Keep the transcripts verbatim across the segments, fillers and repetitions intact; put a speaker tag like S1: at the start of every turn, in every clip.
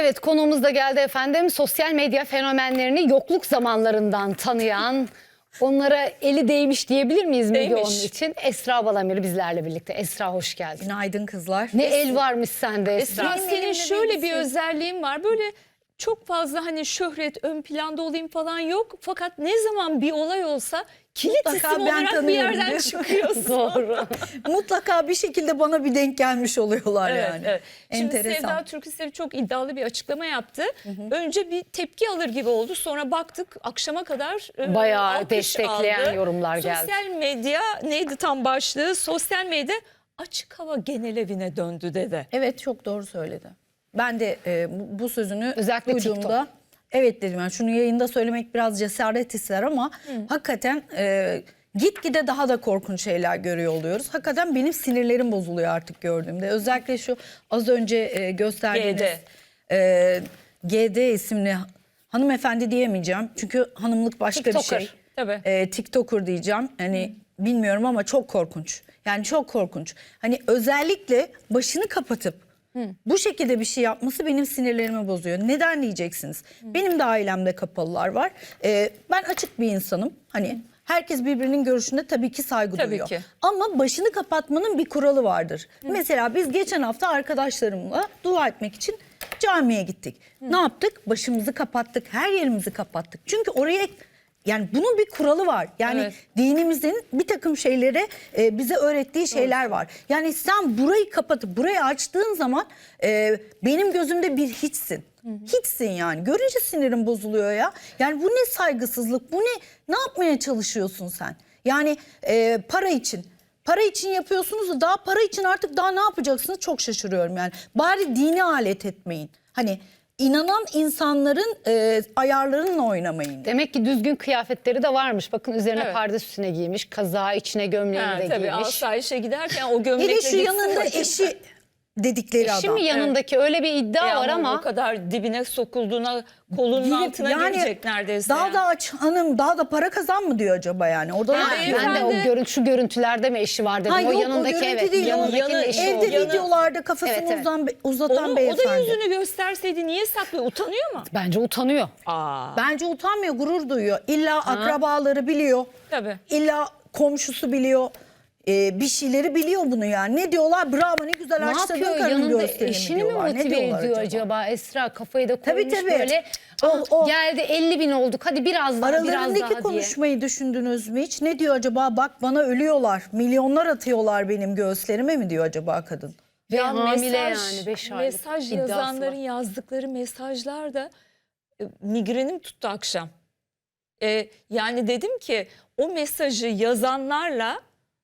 S1: Evet, konuğumuz da geldi efendim. Sosyal medya fenomenlerini yokluk zamanlarından tanıyan, onlara eli değmiş diyebilir miyiz Müge onun için? Esra Balamir bizlerle birlikte. Esra hoş geldin.
S2: Günaydın kızlar.
S1: Ne el varmış sende Esra.
S3: Esra senin şöyle bir özelliğin var. Böyle çok fazla hani şöhret, ön planda olayım falan yok. Fakat ne zaman bir olay olsa kilit
S2: Mutlaka
S3: isim
S2: ben
S3: olarak bir
S2: tanıyorum
S3: yerden
S2: diyorsun.
S3: çıkıyorsun.
S1: Doğru.
S2: Mutlaka bir şekilde bana bir denk gelmiş oluyorlar
S3: Evet,
S2: yani.
S3: evet. Şimdi
S2: Enteresan.
S3: Sevda Türküsev çok iddialı bir açıklama yaptı. Hı hı. Önce bir tepki alır gibi oldu. Sonra baktık akşama kadar e,
S1: Bayağı
S3: alkış
S1: destekleyen
S3: aldı.
S1: yorumlar geldi.
S3: Sosyal medya neydi tam başlığı? Sosyal medya açık hava genel evine döndü dedi.
S2: Evet, çok doğru söyledi. Ben de e, bu, bu sözünü
S1: Özellikle
S2: duyduğumda
S1: TikTok.
S2: evet dedim. Yani şunu yayında söylemek biraz cesaret ister ama Hı. hakikaten e, gitgide daha da korkunç şeyler görüyor oluyoruz. Hakikaten benim sinirlerim bozuluyor artık gördüğümde. Özellikle şu az önce e, gösterdiğiniz
S3: G D.
S2: E, G D isimli hanımefendi diyemeyeceğim. Çünkü hanımlık başka
S1: TikToker.
S2: bir şey.
S3: Tabii.
S2: E, TikToker diyeceğim. Hani Hı. bilmiyorum ama çok korkunç. Yani çok korkunç. Hani özellikle başını kapatıp Hı. bu şekilde bir şey yapması benim sinirlerimi bozuyor. Neden diyeceksiniz? Hı. Benim de ailemde kapalılar var. Ee, ben açık bir insanım. Hani Hı. herkes birbirinin görüşüne tabii ki saygı
S3: Tabii
S2: duyuyor.
S3: ki.
S2: Ama başını kapatmanın bir kuralı vardır. Hı. Mesela biz geçen hafta arkadaşlarımla dua etmek için camiye gittik. Hı. Ne yaptık? Başımızı kapattık, her yerimizi kapattık. Çünkü oraya... Yani bunun bir kuralı var. Yani evet. dinimizin bir takım şeylere e, bize öğrettiği şeyler evet. var. Yani sen burayı kapatıp burayı açtığın zaman e, benim gözümde bir hiçsin. Hı hı. Hiçsin yani. Görünce sinirim bozuluyor ya. Yani bu ne saygısızlık? Bu ne? Ne yapmaya çalışıyorsun sen? Yani e, para için. Para için yapıyorsunuz da daha para için artık daha ne yapacaksınız? Çok şaşırıyorum yani. Bari dini alet etmeyin. Hani İnanan insanların e, ayarlarınla oynamayın.
S1: Demek ki düzgün kıyafetleri de varmış. Bakın üzerine
S3: Evet.
S1: pardösü üstüne giymiş. Kazağı içine gömleğini
S3: Ha,
S1: de
S3: tabii,
S1: giymiş.
S3: asayişe giderken o gömlekle
S2: Hele şu
S3: gitsin
S2: yanında
S3: acaba.
S2: eşi dedikleri
S1: Eşi
S2: adam.
S1: mi yanındaki evet. öyle bir iddia
S3: E
S1: var ama.
S3: O kadar dibine sokulduğuna kolunun
S2: Girip,
S3: altına
S2: yani,
S3: girecek neredeyse.
S2: Daha
S3: yani.
S2: da aç hanım, daha da para kazan mı diyor acaba yani? Orada
S3: Ha,
S2: ne yapıyor?
S1: Ben de o
S3: Beyefendi-
S1: görüntü, şu görüntülerde mi eşi var dedim.
S2: Ha,
S1: o
S2: yok, o
S1: yanındaki
S2: görüntü
S1: evet.
S2: değil, o
S1: Yanındakinin
S3: yanı-
S1: eşi
S2: Evde
S1: oldu.
S3: Yanı-
S2: videolarda kafasını
S1: Evet, evet.
S2: uzan, uzatan
S3: Onu, o
S2: beyefendi.
S3: da yüzünü gösterseydi niye saklıyor? Utanıyor mu?
S1: Bence utanıyor.
S3: Aa.
S2: Bence utanmıyor, gurur duyuyor. İlla akrabaları biliyor.
S3: Tabii.
S2: İlla komşusu biliyor. Ee, bir şeyleri biliyor bunu yani. Ne diyorlar? Bravo, ne güzel
S1: Ne
S2: açtırdın
S1: yapıyor?
S2: karının
S1: Yanında
S2: gösterini
S1: eşini mi
S2: diyorlar. Ne
S1: motive
S2: diyorlar
S1: ediyor acaba? Esra kafayı da
S2: Tabii,
S1: koymuş
S2: tabii.
S1: böyle.
S2: O-
S1: Ah,
S2: o-
S1: geldi elli bin olduk hadi biraz daha biraz
S2: Aralarındaki
S1: daha diye.
S2: konuşmayı düşündünüz mü hiç? Ne diyor acaba? Bak bana ölüyorlar. Milyonlar atıyorlar benim göğüslerime mi diyor acaba kadın?
S1: Ve
S3: Ya
S1: hamile
S3: mesaj,
S1: yani beş aylık
S3: mesaj
S1: iddiası
S3: yazanların
S1: var.
S3: yazdıkları mesajlar da e, migrenim tuttu akşam. E, yani dedim ki o mesajı yazanlarla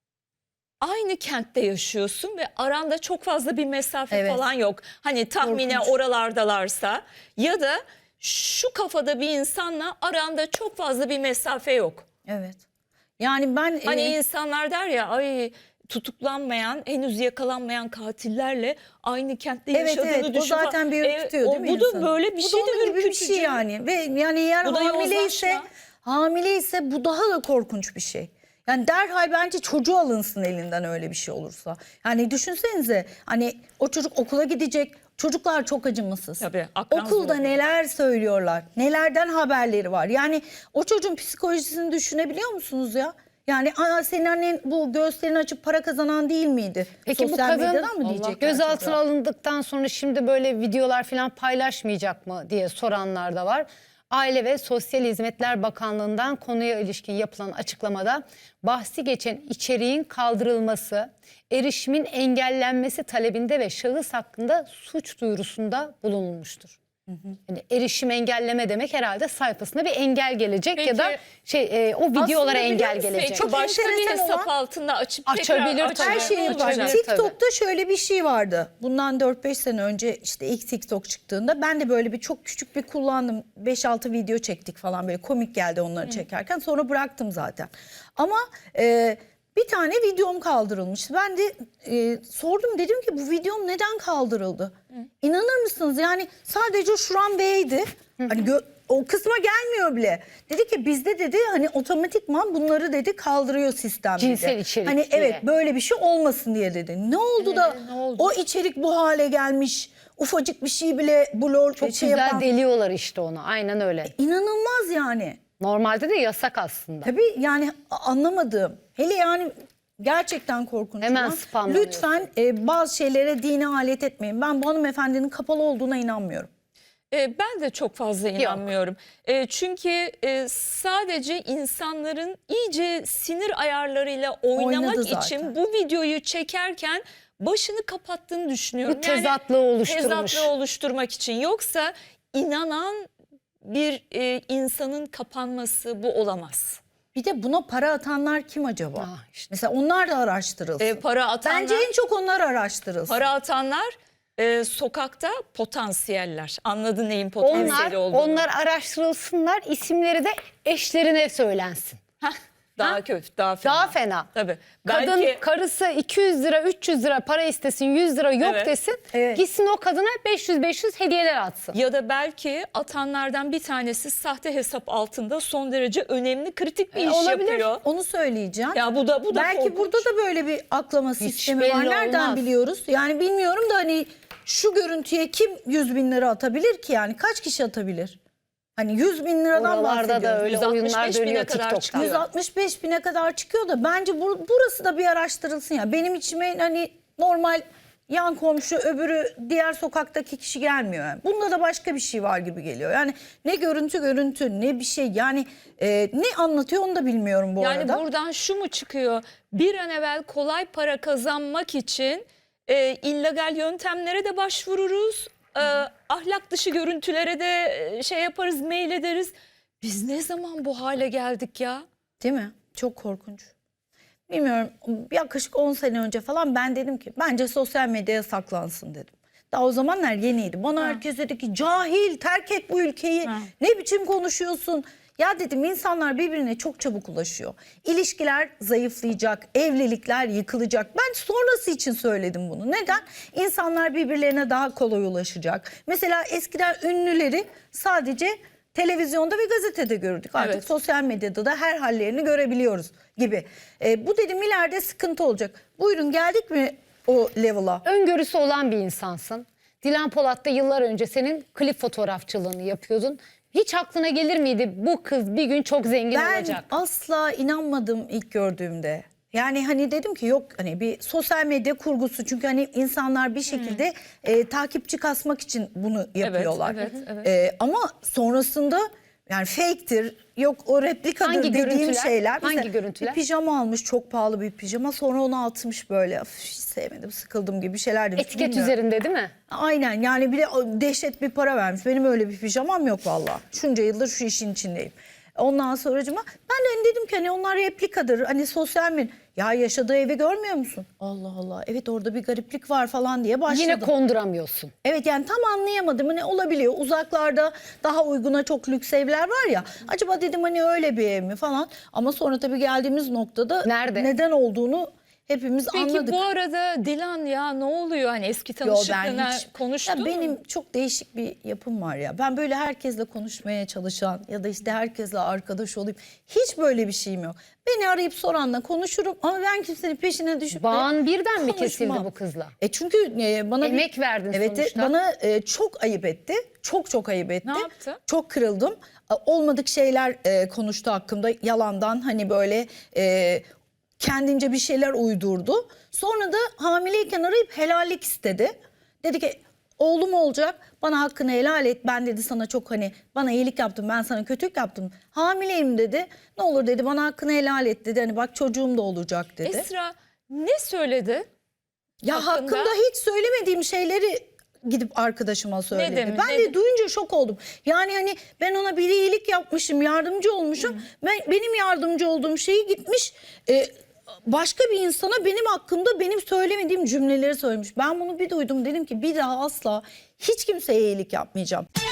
S3: aynı kentte yaşıyorsun ve aranda çok fazla bir mesafe
S2: Evet.
S3: falan yok. Hani tahmine
S2: Korkunç.
S3: oralardalarsa ya da şu kafada bir insanla aranda çok fazla bir mesafe yok.
S2: Evet. Yani ben
S3: Hani
S2: e,
S3: insanlar der ya ay tutuklanmayan, henüz yakalanmayan katillerle aynı kentte
S2: evet
S3: yaşadığını
S2: evet o
S3: düşün.
S2: zaten bir ürkütüyor
S3: E,
S2: değil mi
S3: o, Bu da
S2: insanı?
S3: böyle bir
S2: Bu da
S3: şey de
S2: onun gibi bir
S3: ürkütücü.
S2: şey yani. Ve yani eğer
S3: Bu da
S2: hamileyse
S3: yozlaşma.
S2: hamileyse bu daha da korkunç bir şey. Yani derhal bence çocuğu alınsın elinden öyle bir şey olursa. Yani düşünsenize hani o çocuk okula gidecek. Çocuklar çok acımasız.
S3: Tabii, akran
S2: Okulda
S3: zoru.
S2: neler söylüyorlar. Nelerden haberleri var. Yani o çocuğun psikolojisini düşünebiliyor musunuz ya? Yani aa, senin annen bu göğüslerini açıp para kazanan değil miydi?
S1: Peki bu
S2: Sosyal
S1: kadın
S2: medyadan mı diyecekler
S1: gözaltına
S2: çocuğa?
S1: alındıktan sonra şimdi böyle videolar falan paylaşmayacak mı diye soranlar da var. Aile ve Sosyal Hizmetler Bakanlığı'ndan konuya ilişkin yapılan açıklamada bahsi geçen içeriğin kaldırılması, erişimin engellenmesi talebinde ve şahıs hakkında suç duyurusunda bulunulmuştur. Yani erişim engelleme demek herhalde sayfasına bir engel gelecek
S3: Peki,
S1: ya da şey e, o videolara
S3: Aslında
S1: engel
S3: biliyor musun?
S1: gelecek.
S3: Çok başka bir
S2: enteresan
S3: hesap
S2: olan-
S3: altında açıp
S1: Açabilir
S3: tekrar
S1: tabii.
S2: Her şeyi
S3: açacak.
S2: var.
S1: Açabilir
S2: TikTok'ta şöyle bir şey vardı. Bundan dört beş sene önce işte ilk TikTok çıktığında ben de böyle bir çok küçük bir kullandım. beş altı video çektik falan böyle komik geldi onları çekerken. Sonra bıraktım zaten. Ama e, bir tane videom kaldırılmıştı. Ben de e, sordum, dedim ki bu videom neden kaldırıldı? Hı. İnanır mısınız? Yani sadece şuram B'ydi. Hani gö- o kısma gelmiyor bile. Dedi ki bizde dedi hani otomatikman bunları dedi kaldırıyor sistem.
S1: Cinsel
S2: dedi.
S1: içerik
S2: Hani
S1: diye.
S2: evet böyle bir şey olmasın diye dedi. Ne oldu da
S1: ne oldu?
S2: o içerik bu hale gelmiş? Ufacık bir şey bile blur
S1: Çok
S2: şey
S1: güzel
S2: yapan.
S1: deliyorlar işte onu. Aynen öyle.
S2: İnanılmaz yani.
S1: Normalde de yasak aslında.
S2: Tabii yani anlamadığım. Hele yani gerçekten korkunç.
S1: Hemen
S2: olan.
S1: spamlanıyorsun.
S2: Lütfen e, bazı şeylere dine alet etmeyin. Ben bu hanımefendinin kapalı olduğuna inanmıyorum.
S3: E, ben de çok fazla inanmıyorum. E, çünkü e, sadece insanların iyice sinir ayarlarıyla oynamak
S2: Oynadı zaten.
S3: için bu videoyu çekerken başını kapattığını düşünüyorum.
S1: Bu tezatlığı oluşturmuş.
S3: Tezatlığı oluşturmak için. Yoksa inanan bir e, insanın kapanması bu olamaz.
S2: Bir de buna para atanlar kim acaba?
S1: Ah, işte.
S2: Mesela onlar da araştırılsın.
S3: E, para atanlar,
S2: Bence en çok onlar araştırılsın.
S3: para atanlar e, sokakta potansiyeller. Anladın neyin
S1: Onlar,
S3: potansiyeli olduğunu.
S1: onlar araştırılsınlar, isimleri de eşlerine söylensin.
S3: Heh, daha kötü, daha fena.
S1: Daha fena.
S3: Tabii.
S1: Kadın
S3: Belki
S1: karısı iki yüz lira, üç yüz lira para istesin, yüz lira yok
S3: Evet.
S1: desin.
S2: Evet.
S1: Gitsin o kadına beş yüz beş yüz hediyeler atsın.
S3: ya da belki atanlardan bir tanesi sahte hesap altında son derece önemli, kritik bir
S1: E,
S3: iş
S1: olabilir.
S3: yapıyor.
S2: Onu söyleyeceğim.
S3: Ya bu da bu da
S2: Belki
S3: korkunç.
S2: burada da böyle bir aklama sistemi var.
S1: belli
S2: Nereden
S1: olmaz.
S2: biliyoruz? Yani bilmiyorum da hani şu görüntüye kim yüz bin lira atabilir ki yani? Kaç kişi atabilir? Hani yüz bin liradan
S1: Oralarda
S2: bahsediyoruz.
S1: da öyle
S3: yüz altmış
S1: oyunlar
S3: beş bine
S1: dönüyor
S3: kadar
S1: TikTok'ta.
S3: çıkıyor.
S2: yüz altmış beş bine kadar çıkıyor da bence bu, burası da bir araştırılsın ya. Benim içime hani normal yan komşu öbürü diğer sokaktaki kişi gelmiyor. Yani. Bunda da başka bir şey var gibi geliyor. Yani ne görüntü görüntü ne bir şey yani e, ne anlatıyor onu da bilmiyorum bu
S3: Yani
S2: arada.
S3: buradan şu mu çıkıyor? Bir an evvel kolay para kazanmak için e, illegal yöntemlere de başvururuz. E, ahlak dışı görüntülere de e, şey yaparız, mail ederiz. Biz ne zaman bu hale geldik ya?
S2: Değil mi? Çok korkunç. Bilmiyorum yaklaşık on sene önce falan ben dedim ki bence sosyal medyaya saklansın dedim. Daha o zamanlar yeniydi. Bana herkes dedi ki cahil terk et bu ülkeyi.
S3: Ha.
S2: Ne biçim konuşuyorsun? Ya dedim insanlar birbirine çok çabuk ulaşıyor. İlişkiler zayıflayacak, evlilikler yıkılacak. Ben sonrası için söyledim bunu. Neden? İnsanlar birbirlerine daha kolay ulaşacak. Mesela eskiden ünlüleri sadece televizyonda ve gazetede gördük. Artık
S3: Evet.
S2: sosyal medyada da her hallerini görebiliyoruz gibi. E, bu dedim ileride sıkıntı olacak. Buyurun geldik mi o level'a?
S1: Öngörüsü olan bir insansın. Dilan Polat da yıllar önce senin klip fotoğrafçılığını yapıyordun. Hiç aklına gelir miydi bu kız bir gün çok zengin
S2: Ben
S1: olacak?
S2: asla inanmadım ilk gördüğümde. Yani hani dedim ki yok hani bir sosyal medya kurgusu çünkü hani insanlar bir şekilde e, takipçi kasmak için bunu yapıyorlar.
S3: evet, evet.
S2: E, ama sonrasında yani fake'tir yok o replikadır
S1: Hangi
S2: dediğim
S1: görüntüler?
S2: şeyler.
S1: Hangi
S2: Mesela
S1: görüntüler?
S2: Bir pijama almış çok pahalı bir pijama sonra onu atmış böyle "Üf, hiç sevmedim sıkıldım gibi şeyler demiş.
S1: Etiket
S2: Bilmiyorum.
S1: üzerinde değil mi?
S2: Aynen yani bir de o dehşet bir para vermiş. Benim öyle bir pijamam yok vallahi. Şunca yıldır şu işin içindeyim. Ondan sonracıma ben de hani dedim ki hani onlar replikadır. Hani sosyal medya. Ya yaşadığı evi görmüyor musun? Allah Allah evet orada bir gariplik var falan diye başladım.
S1: Yine konduramıyorsun.
S2: Evet yani tam anlayamadım ne olabiliyor. Uzaklarda daha uyguna çok lüks evler var ya. Acaba dedim hani öyle bir ev mi falan. Ama sonra tabii geldiğimiz noktada
S1: Nerede?
S2: neden olduğunu hepimiz
S3: Peki
S2: anladık.
S3: bu arada Dilan ya ne oluyor? Hani eski
S2: Yo, ben
S3: tanışıklığına
S2: hiç-
S3: konuştun
S2: Ya benim
S3: mu?
S2: çok değişik bir yapım var ya. Ben böyle herkesle konuşmaya çalışan ya da işte herkesle arkadaş olayım. Hiç böyle bir şeyim yok. Beni arayıp soranla konuşurum ama ben kimsenin peşine düşüp de
S1: Bağın birden mi kesildi
S2: konuşmam.
S1: bu kızla?
S2: E çünkü e, bana bir-
S1: Emek verdin
S2: evet,
S1: sonuçta.
S2: bana e, çok ayıp etti. Çok çok ayıp etti.
S3: Ne yaptı?
S2: Çok kırıldım. E, Olmadık şeyler e, konuştu hakkımda. Yalandan hani böyle e, kendince bir şeyler uydurdu. Sonra da hamileyken arayıp helallik istedi. Dedi ki oğlum olacak bana hakkını helal et. Ben dedi sana çok hani bana iyilik yaptım ben sana kötülük yaptım. Hamileyim dedi. Ne olur dedi bana hakkını helal et dedi. Hani bak çocuğum da olacak dedi.
S3: Esra ne söyledi?
S2: Ya
S3: hakkında?
S2: hakkında hiç söylemediğim şeyleri gidip arkadaşıma söyledi.
S3: demiş,
S2: ben
S3: ne
S2: de
S3: de-
S2: duyunca şok oldum. Yani hani ben ona bir iyilik yapmışım, yardımcı olmuşum. Ben benim yardımcı olduğum şeyi gitmiş e, başka bir insana benim hakkımda benim söylemediğim cümleleri söylemiş. Ben bunu bir duydum dedim ki bir daha asla hiç kimseye iyilik yapmayacağım.